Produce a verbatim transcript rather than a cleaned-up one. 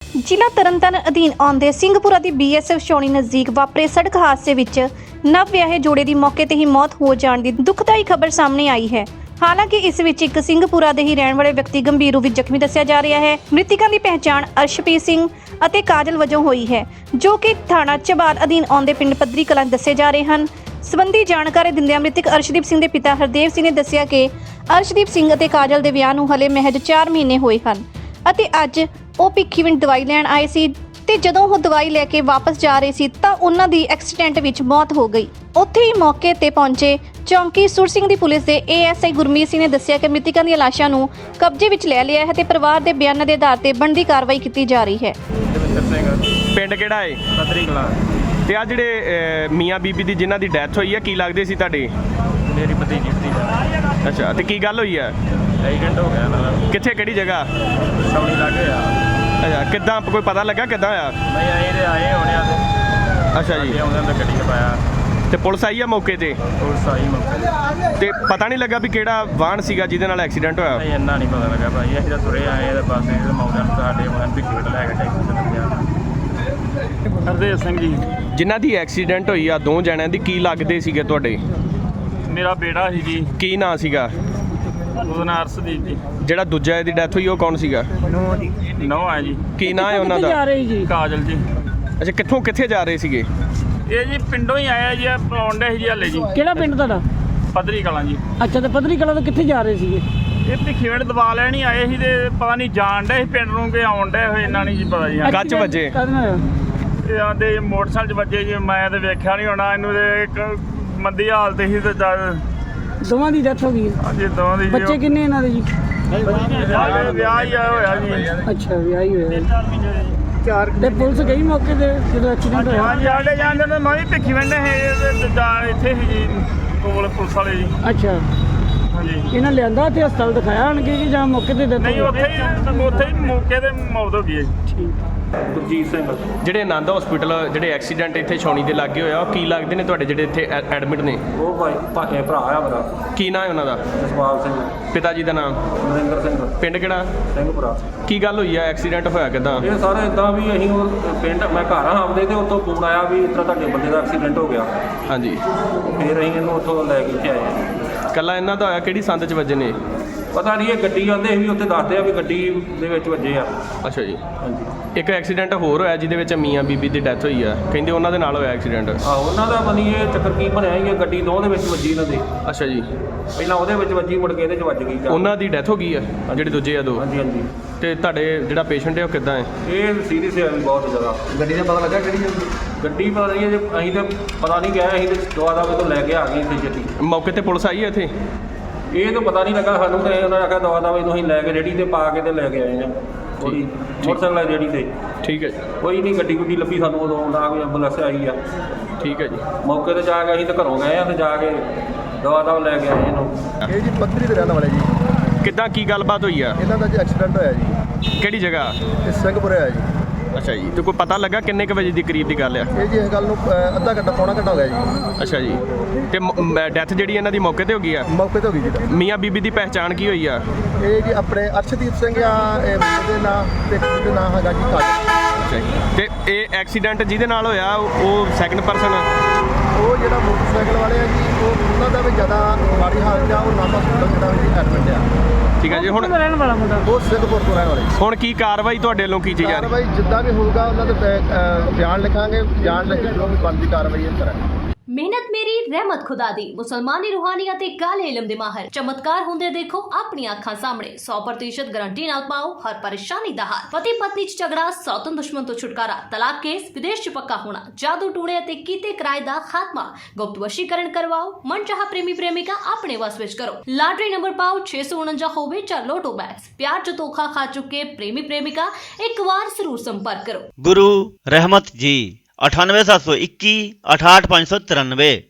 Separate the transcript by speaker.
Speaker 1: ਜ਼ਿਲ੍ਹਾ ਤਰਨਤਾਰਨ ਅਧੀਨ ਆਉਂਦੇ ਸਿੰਘਪੁਰਾ ਦੀ ਬੀਐਸਐਫ ਛਾਉਣੀ ਨਜ਼ਦੀਕ ਵਾਪਰੇ ਸੜਕ ਹਾਦਸੇ ਵਿੱਚ ਨਵ ਵਿਆਹੇ ਜੋੜੇ ਦੀ ਮੌਕੇ ਤੇ ਹੀ ਮੌਤ ਹੋ ਜਾਣ ਦੀ ਦੁਖਦਾਈ ਖਬਰ ਸਾਹਮਣੇ ਆਈ ਹੈ। ਹਾਲਾਂਕਿ ਇਸ ਵਿੱਚ ਇੱਕ ਸਿੰਘਪੁਰਾ ਦੇ ਹੀ ਰਹਿਣ ਵਾਲੇ ਵਿਅਕਤੀ ਗੰਭੀਰ ਰੂਪ ਵਿੱਚ ਜ਼ਖਮੀ ਦੱਸਿਆ ਜਾ ਰਿਹਾ ਹੈ। ਮ੍ਰਿਤਕਾਂ ਦੀ ਪਹਿਚਾਣ ਅਰਸ਼ਪ੍ਰੀਤ ਸਿੰਘ ਅਤੇ ਕਾਜਲ ਵਜੋਂ ਹੋਈ ਹੈ, ਜੋ ਕਿ ਥਾਣਾ ਝਬਾਲ ਅਧੀਨ ਆਉਂਦੇ ਪਿੰਡ ਪੱਧਰੀ ਕਲਾਂ ਦੱਸੇ ਜਾ ਰਹੇ ਹਨ। ਸਬੰਧੀ ਜਾਣਕਾਰੀ ਦਿੰਦਿਆਂ ਮ੍ਰਿਤਕ ਅਰਸ਼ਦੀਪ ਸਿੰਘ ਦੇ ਪਿਤਾ ਹਰਦੇਵ ਸਿੰਘ ਨੇ ਦੱਸਿਆ ਕਿ ਅਰਸ਼ਦੀਪ ਸਿੰਘ ਅਤੇ ਕਾਜਲ ਦੇ ਵਿਆਹ ਨੂੰ ਹਲੇ ਮਹਿਜ ਚਾਰ ਮਹੀਨੇ ਹੋਏ ਹਨ ਅਤੇ ਅੱਜ ਉਹ ਭਿੱਖੀਵਿੰਡ ਦਵਾਈ ਲੈਣ ਆਏ ਸੀ ਤੇ ਜਦੋਂ ਉਹ ਦਵਾਈ ਲੈ ਕੇ ਵਾਪਸ ਜਾ ਰਹੇ ਸੀ ਤਾਂ ਉਹਨਾਂ ਦੀ ਐਕਸੀਡੈਂਟ ਵਿੱਚ ਮੌਤ ਹੋ ਗਈ। ਉੱਥੇ ਹੀ ਮੌਕੇ ਤੇ ਪਹੁੰਚੇ ਚੌਂਕੀ ਸੁਰ ਸਿੰਘ ਦੀ ਪੁਲਿਸ ਦੇ ਏਐਸਆਈ ਗੁਰਮੀਤ ਸਿੰਘ ਨੇ ਦੱਸਿਆ ਕਿ ਮ੍ਰਿਤਕਾਂ ਦੀਆਂ ਲਾਸ਼ਾਂ ਨੂੰ ਕਬਜ਼ੇ ਵਿੱਚ ਲੈ ਲਿਆ ਹੈ ਤੇ ਪਰਿਵਾਰ ਦੇ ਬਿਆਨਾਂ ਦੇ ਆਧਾਰ ਤੇ ਬਣਦੀ ਕਾਰਵਾਈ ਕੀਤੀ ਜਾ ਰਹੀ ਹੈ।
Speaker 2: ਪਿੰਡ ਕਿਹੜਾ ਹੈ?
Speaker 3: ਪੱਧਰੀ ਕਲਾਂ।
Speaker 2: ਤੇ ਆ ਜਿਹੜੇ ਅਹ, ਮੀਆਂ ਬੀਬੀ ਦੀ ਜਿਨ੍ਹਾਂ ਦੀ ਡੈਥ ਹੋਈ ਹੈ, ਕੀ ਲੱਗਦੇ ਸੀ ਤੁਹਾਡੇ?
Speaker 3: ਮੇਰੀ ਭਤੀਜੀ ਦੀ
Speaker 2: ਅੱਛਾ, ਤੇ ਕੀ ਗੱਲ ਹੋਈ ਹੈ?
Speaker 3: ਐਕਸੀਡੈਂਟ ਹੋ ਗਿਆ ਨਾਲ
Speaker 2: ਕਿੱਥੇ, ਕਿਹੜੀ ਜਗ੍ਹਾ?
Speaker 3: ਸੌਣੀ ਲੱਗੇ ਆ।
Speaker 2: ਅੱਛਾ, ਕਿੱਦਾਂ ਕੋਈ ਪਤਾ ਲੱਗਾ ਕਿੱਦਾਂ ਆ?
Speaker 3: ਨਹੀਂ ਆਏ ਤੇ ਆਏ ਹੋਣੇ ਆ ਤੇ
Speaker 2: ਅੱਛਾ ਜੀ,
Speaker 3: ਆਉਂਦੇ ਤਾਂ ਗੱਡੀ 'ਚ ਪਾਇਆ।
Speaker 2: ਤੇ ਪੁਲਿਸ ਆਈ ਆ ਮੌਕੇ ਤੇ?
Speaker 3: ਪੁਲਿਸ ਆਈ ਮੌਕੇ
Speaker 2: ਤੇ ਪਤਾ ਨਹੀਂ ਲੱਗਾ ਵੀ ਕਿਹੜਾ ਵਾਹਨ ਸੀਗਾ ਜਿਹਦੇ ਨਾਲ ਐਕਸੀਡੈਂਟ ਹੋਇਆ?
Speaker 3: ਨਹੀਂ ਇੰਨਾ ਨਹੀਂ ਪਤਾ ਲੱਗਾ ਭਾਈ, ਅਸੀਂ ਤਾਂ ਤੁਰੇ ਆਏ ਇਹਦੇ ਪਾਸੇ ਇਹਦੇ ਮੌਕੇ ਨੂੰ ਸਾਡੇ ਮਨ ਵੀ ਕਿਹੜਾ ਲੈ ਕੇ ਟੈਕਸੀ ਤੇ ਲੱਗਿਆ। ਹਰਦੇਵ ਸਿੰਘ ਜੀ
Speaker 2: ਜਿਨ੍ਹਾਂ ਦੀ ਐਕਸੀਡੈਂਟ ਹੋਈ ਆ, ਦੋ ਜਣਿਆਂ ਦੀ, ਕੀ ਲੱਗਦੇ ਸੀਗੇ ਤੁਹਾਡੇ?
Speaker 3: ਮੇਰਾ ਬੇਟਾ ਸੀ ਜੀ,
Speaker 2: ਕੀ ਨਾਂ ਸੀਗਾ?
Speaker 3: ਉਹਦਾ ਨਾਂ ਅਰਸ਼ਦੀਪ ਜੀ।
Speaker 2: ਜਿਹੜਾ ਦੂਜਾ ਇਹਦੀ ਡੈਥ ਹੋਈ ਉਹ ਕੌਣ ਸੀਗਾ?
Speaker 3: ਨੌ ਹੈ ਜੀ।
Speaker 2: ਕੀ ਨਾਂ ਹੈ ਉਹਨਾਂ ਦਾ?
Speaker 3: ਕਾਜਲ ਜੀ।
Speaker 2: ਅੱਛਾ, ਕਿੱਥੋਂ ਕਿੱਥੇ ਜਾ ਰਹੇ ਸੀਗੇ?
Speaker 3: ਇਹ ਜੀ ਪਿੰਡੋਂ ਹੀ ਆਇਆ ਜੀ, ਆਉਂਦੇ ਸੀ ਜੀ ਹਲੇ ਜੀ।
Speaker 4: ਕਿਹੜਾ ਪਿੰਡ ਤੁਹਾਡਾ?
Speaker 3: ਪੱਧਰੀ ਕਲਾਂ ਜੀ।
Speaker 4: ਅੱਛਾ, ਤੇ ਪੱਧਰੀ ਕਲਾਂ ਤੋਂ ਕਿੱਥੇ ਜਾ ਰਹੇ ਸੀਗੇ?
Speaker 3: ਇਹ ਭਿੱਖੀਵਿੰਡ ਦਵਾ ਲੈਣ ਹੀ ਆਏ ਸੀ ਤੇ ਪਤਾ ਨਹੀਂ ਜਾਣ ਡੇ ਸੀ ਪਿੰਡ ਨੂੰ ਕਿ ਆਉਣ ਡੇ ਹੋਏ, ਇਹਨਾਂ ਨਹੀਂ ਜੀ ਪਤਾ ਜੀ।
Speaker 2: ਗੱਚ ਵੱਜੇ?
Speaker 4: ਕਾਹਦੇ ਨਾਲ ਹੋਇਆ?
Speaker 3: ਇਹ ਆਂਦੇ ਮੋਟਰਸਾਈਕਲ 'ਚ ਵੱਜੇ ਜੀ, ਮੈਂ ਤੇ ਵੇਖਿਆ ਨਹੀਂ ਹੋਣਾ ਇਹਨੂੰ ਤੇ ਇੱਕ ਮੰਦੀ ਹਾਲਤ ਸੀ ਤੇ ਜਦ
Speaker 4: ਦੋਵਾਂ ਦੀ ਡੈਥ ਹੋ ਗਈ ਹੈ।
Speaker 3: ਅੱਜ ਦੋਵਾਂ ਦੀ ਜੀ
Speaker 4: ਬੱਚੇ ਕਿੰਨੇ ਇਹਨਾਂ ਦੇ ਜੀ?
Speaker 3: ਹਾਲੇ ਵਿਆਹ ਹੀ ਆਇਆ ਹੋਇਆ ਜੀ।
Speaker 4: ਅੱਛਾ, ਵਿਆਹ ਹੀ ਹੋਇਆ। ਚਾਰ ਤੇ ਪੁਲਿਸ ਗਈ ਮੌਕੇ ਤੇ ਜਦੋਂ ਐਕਸੀਡੈਂਟ ਹੋਇਆ?
Speaker 3: ਹਾਂਜੀ, ਸਾਡੇ ਜਾਂਦੇ ਨੇ ਮੈਂ ਵੀ ਭਿੱਖੀਵਿੰਡ ਹੈ ਇੱਥੇ ਸੀ ਜੀ ਕੋਲ ਪੁਲਿਸ ਵਾਲੇ ਜੀ।
Speaker 4: ਅੱਛਾ,
Speaker 3: ਹਾਂਜੀ।
Speaker 4: ਇਹਨਾਂ ਲਿਆਂਦਾ ਤੇ ਹਸਪਤਾਲ ਦਿਖਾਇਆ ਆਣਗੇ ਕਿ ਜਾਂ ਮੌਕੇ ਤੇ ਡੈਥ?
Speaker 3: ਨਹੀਂ, ਉੱਥੇ ਹੀ ਉੱਥੇ ਹੀ ਮੌਕੇ ਤੇ ਮੌਤ ਹੋ ਗਈ ਹੈ ਜੀ।
Speaker 4: ਠੀਕ।
Speaker 3: ਗੁਰਜੀਤ ਸਿੰਘ।
Speaker 2: ਜਿਹੜੇ ਆਨੰਦ ਹਸਪੀਟਲ ਜਿਹੜੇ ਐਕਸੀਡੈਂਟ ਇੱਥੇ ਛਾਉਣੀ ਦੇ ਲਾਗੇ ਹੋਇਆ, ਉਹ ਕੀ ਲੱਗਦੇ ਨੇ ਤੁਹਾਡੇ ਜਿਹੜੇ ਇੱਥੇ ਐਡਮਿਟ ਨੇ?
Speaker 5: ਉਹ ਭਾਈ ਭਾਏ ਭਰਾ ਆ ਮੇਰਾ
Speaker 2: ਕੀ ਨਾਂ ਹੈ ਉਹਨਾਂ ਦਾ?
Speaker 5: ਜਸਪਾਲ ਸਿੰਘ,
Speaker 2: ਪਿਤਾ ਜੀ ਦਾ ਨਾਮ?
Speaker 5: ਨਰਿੰਦਰ ਸਿੰਘ
Speaker 2: ਪਿੰਡ ਕਿਹੜਾ?
Speaker 5: ਸਿੰਘਪੁਰਾ।
Speaker 2: ਕੀ ਗੱਲ ਹੋਈ ਆ? ਐਕਸੀਡੈਂਟ ਹੋਇਆ ਕਿੱਦਾਂ?
Speaker 5: ਇਹ ਸਾਰੇ ਇਦਾਂ ਵੀ ਅਸੀਂ ਉਹ ਪਿੰਡ ਮੈਂ ਘਰ ਆ ਆਉਂਦੇ ਤੇ ਉੱਥੋਂ ਫੋਨ ਆਇਆ ਵੀ ਇਸ ਤਰ੍ਹਾਂ ਤੁਹਾਡੇ ਬੰਦੇ ਦਾ ਐਕਸੀਡੈਂਟ ਹੋ ਗਿਆ।
Speaker 2: ਹਾਂਜੀ,
Speaker 5: ਫਿਰ ਅਸੀਂ ਇਹਨੂੰ ਉੱਥੋਂ ਲੈ ਕੇ ਇੱਥੇ ਆਏ।
Speaker 2: ਕੱਲਾ ਇਹਨਾਂ ਦਾ ਹੋਇਆ? ਕਿਹੜੀ ਸੰਦ 'ਚ ਵੱਜੇ ਨੇ?
Speaker 5: ਪਤਾ ਨਹੀਂ, ਇਹ ਗੱਡੀ ਆਉਂਦੇ ਵੀ ਉੱਥੇ ਦੱਸਦੇ ਆ ਵੀ ਗੱਡੀ ਦੇ ਵਿੱਚ ਵੱਜੇ ਆ।
Speaker 2: ਅੱਛਾ ਜੀ।
Speaker 5: ਹਾਂਜੀ।
Speaker 2: ਇੱਕ ਐਕਸੀਡੈਂਟ ਹੋਰ ਹੋਇਆ ਜਿਹਦੇ ਵਿੱਚ ਮੀਆਂ ਬੀਬੀ ਦੀ ਡੈਥ ਹੋਈ ਆ, ਕਹਿੰਦੇ ਉਹਨਾਂ ਦੇ ਨਾਲ ਹੋਇਆ ਐਕਸੀਡੈਂਟ।
Speaker 5: ਆ ਉਹਨਾਂ ਦਾ ਬਣੀ ਇਹ ਚੱਕਰ ਕੀ ਬਣਿਆ ਸੀ, ਇਹ ਗੱਡੀ ਦੋ ਦੇ ਵਿੱਚ ਵੱਜੀ ਇਹਨਾਂ ਦੇ।
Speaker 2: ਅੱਛਾ ਜੀ।
Speaker 5: ਪਹਿਲਾਂ ਉਹਦੇ ਵਿੱਚ ਵੱਜੀ, ਮੁੜ ਕੇ ਇਹਦੇ 'ਚ ਵੱਜ ਗਈ।
Speaker 2: ਉਹਨਾਂ ਦੀ ਡੈਥ ਹੋ ਗਈ ਆ ਜਿਹੜੇ ਦੂਜੇ ਆ ਦੋ?
Speaker 5: ਹਾਂਜੀ ਹਾਂਜੀ।
Speaker 2: ਤੇ ਤੁਹਾਡੇ ਜਿਹੜਾ ਪੇਸ਼ੈਂਟ ਹੈ ਉਹ ਕਿੱਦਾਂ ਹੈ?
Speaker 5: ਇਹ ਸੀਰੀਅਸ ਹੈ ਵੀ ਬਹੁਤ ਜ਼ਿਆਦਾ। ਗੱਡੀ ਦਾ ਪਤਾ ਲੱਗਾ ਕਿਹੜੀ ਗੱਡੀ? ਪਤਾ ਨਹੀਂ, ਜੇ ਅਸੀਂ ਤਾਂ ਪਤਾ ਨਹੀਂ ਗਿਆ, ਅਸੀਂ ਤਾਂ ਦਵਾ ਦਾ ਤੋਂ ਲੈ ਕੇ ਆ ਗਏ ਇੱਥੇ ਛੇਤੀ।
Speaker 2: ਮੌਕੇ ਤੇ ਪੁਲਿਸ ਆਈ ਹੈ ਇੱਥੇ?
Speaker 5: ਇਹ ਤਾਂ ਪਤਾ ਨਹੀਂ ਲੱਗਾ ਸਾਨੂੰ, ਤੇ ਉਹਨਾਂ ਨੇ ਆਖਿਆ ਦਵਾ ਦਵਾ ਇਹਨੂੰ ਅਸੀਂ ਲੈ ਕੇ ਰੇੜੀ ਤੇ ਪਾ ਕੇ ਤੇ ਲੈ ਕੇ ਆਏ ਹਾਂ ਉਹਦੀ ਮੋਟਰਸਾਈਕਲ ਵਾਲੀ ਰੇੜੀ ਤੇ।
Speaker 2: ਠੀਕ ਹੈ ਜੀ।
Speaker 5: ਕੋਈ ਨਹੀਂ, ਗੱਡੀ ਗੁੱਡੀ ਲੱਭੀ ਸਾਨੂੰ, ਉਦੋਂ ਨਾ ਕੋਈ ਐਂਬੂਲੈਂਸ ਆਈ ਆ।
Speaker 2: ਠੀਕ ਹੈ ਜੀ।
Speaker 5: ਮੌਕੇ ਤੇ ਜਾ ਕੇ ਅਸੀਂ ਤਾਂ ਘਰੋਂ ਗਏ ਆ ਤੇ ਜਾ ਕੇ ਦਵਾ ਦਵਾ ਲੈ ਕੇ ਆਏ ਇਹਨੂੰ।
Speaker 6: ਇਹ ਜੀ ਪੱਧਰੀ ਦੇ ਰਹਿਣ ਵਾਲੇ ਜੀ।
Speaker 2: ਕਿੱਦਾਂ, ਕੀ ਗੱਲਬਾਤ ਹੋਈ ਆ?
Speaker 6: ਇਹਨਾਂ ਦਾ ਜੀ ਐਕਸੀਡੈਂਟ ਹੋਇਆ ਜੀ।
Speaker 2: ਕਿਹੜੀ ਜਗ੍ਹਾ?
Speaker 6: ਇਹ ਸਿੰਘਪੁਰੇ ਹੋਇਆ ਜੀ।
Speaker 2: ਅੱਛਾ ਜੀ। ਤੇ ਕੋਈ ਪਤਾ ਲੱਗਾ ਕਿੰਨੇ ਕੁ ਵਜੇ ਦੀ ਕਰੀਬ ਦੀ ਗੱਲ ਆ?
Speaker 6: ਇਹ ਜੀ ਇਸ ਗੱਲ ਨੂੰ ਅ, ਅੱਧਾ ਘੰਟਾ ਪੌਣਾ ਘੰਟਾ ਹੋ ਗਿਆ ਜੀ।
Speaker 2: ਅੱਛਾ ਜੀ। ਤੇ ਡੈਥ ਜਿਹੜੀ ਇਹਨਾਂ ਦੀ ਮੌਕੇ ਤੇ ਹੋ ਗਈ ਆ?
Speaker 6: ਮੌਕੇ ਤੇ ਹੋ ਗਈ ਜੀ।
Speaker 2: ਮੀਆਂ ਬੀਬੀ ਦੀ ਪਹਿਚਾਣ ਕੀ ਹੋਈ ਆ?
Speaker 6: ਇਹ ਜੀ ਆਪਣੇ ਅਰਸ਼ਦੀਪ ਸਿੰਘ ਆ, ਇਹ ਮੁੰਡੇ ਦੇ ਨਾਂ ਤੇ ਕੁੜੀ ਦੇ ਨਾਂ ਹੈਗਾ ਜੀ ਕਾਜਲ।
Speaker 2: ਅੱਛਾ ਜੀ। ਤੇ ਇਹ ਐਕਸੀਡੈਂਟ ਜਿਹਦੇ ਨਾਲ ਹੋਇਆ ਉਹ ਸੈਕੰਡ ਪਰਸਨ?
Speaker 6: ਉਹ ਜਿਹੜਾ ਮੋਟਰਸਾਈਕਲ ਵਾਲੇ ਆ ਜੀ, ਉਹ ਉਹਨਾਂ ਦਾ ਵੀ ਜ਼ਿਆਦਾ ਮਾੜੀ ਹਾਲਤ ਆ, ਉਹ ਨਾਮਾ ਹਸਪਤਾਲ ਜਿਹੜਾ ਵੀ ਐਡਮਿਟ ਆ।
Speaker 2: ਠੀਕ ਹੈ ਜੀ। ਹੁਣ
Speaker 4: ਰਹਿਣ ਵਾਲਾ ਮੁੰਡਾ
Speaker 6: ਉਹ ਸਿੰਘਪੁਰ ਤੋਂ ਰਹਿਣ ਵਾਲੇ।
Speaker 2: ਹੁਣ ਕੀ ਕਾਰਵਾਈ ਤੁਹਾਡੇ ਵੱਲੋਂ ਕੀਤੀ ਜਾ ਰਹੀ?
Speaker 6: ਕਾਰਵਾਈ ਜਿੱਦਾਂ ਵੀ ਹੋਊਗਾ ਉਹਨਾਂ ਦੇ ਬੈ- ਅ, ਬਿਆਨ ਲਿਖਾਂਗੇ, ਬਿਆਨ ਲਿਖ ਕੇ ਜੋ ਵੀ ਬਣਦੀ ਕਾਰਵਾਈ ਇਹ ਕਰਾਂਗੇ।
Speaker 7: ਮਿਹਨਤ ਮੇਰੀ ਰਹਿਮਤ ਖੁਦਾ ਦੀ। ਮੁਸਲਮਾਨੀ ਰੂਹਾਨੀ ਅਤੇ ਕਾਲੇ ਇਲਮ ਦੇ ਮਾਹਰ ਚਮਤਕਾਰ ਹੁੰਦੇ ਦੇਖੋ ਆਪਣੀਆਂ ਅੱਖਾਂ ਸਾਹਮਣੇ। ਸੌ ਪ੍ਰਤੀਸ਼ਤ ਗਾਰੰਟੀ ਨਾਲ ਪਾਓ ਹਰ ਪਰੇਸ਼ਾਨੀ ਦਾ ਹੱਲ। ਪਤੀ ਪਤਨੀ ਚ ਝਗੜਾ, ਸੌਤਨ ਦੁਸ਼ਮਣ ਤੋਂ ਛੁਟਕਾਰਾ, ਤਲਾਕ ਕੇਸ, ਵਿਦੇਸ਼ ਚ ਪੱਕਾ ਹੋਣਾ, ਜਾਦੂ ਟੂਣੇ ਅਤੇ ਕੀਤੇ ਕਿਰਾਏ ਦਾ ਖਾਤਮਾ, ਗੁਪਤ ਵਸ਼ੀਕਰਨ ਕਰਵਾਓ, ਮਨਚਾਹਾ ਪ੍ਰੇਮੀ ਪ੍ਰੇਮਿਕਾ ਆਪਣੇ ਵਸ ਵਿੱਚ ਕਰੋ। ਲਾਟਰੀ ਨੰਬਰ ਪਾਓ ਛੇ ਸੌ ਉਨੰਜਾ ਹੋਵੇ ਜਾਂ ਲੋਟੋ ਬੈਗਸ। ਪਿਆਰ ਚ ਧੋਖਾ ਖਾ ਚੁੱਕੇ ਪ੍ਰੇਮੀ ਪ੍ਰੇਮਿਕਾ ਇੱਕ ਵਾਰ ਜ਼ਰੂਰ ਸੰਪਰਕ ਕਰੋ।
Speaker 8: गुरु रहमत जी अठानवे सात सौ इक्की अठाठ पाँच सौ तिरानवे।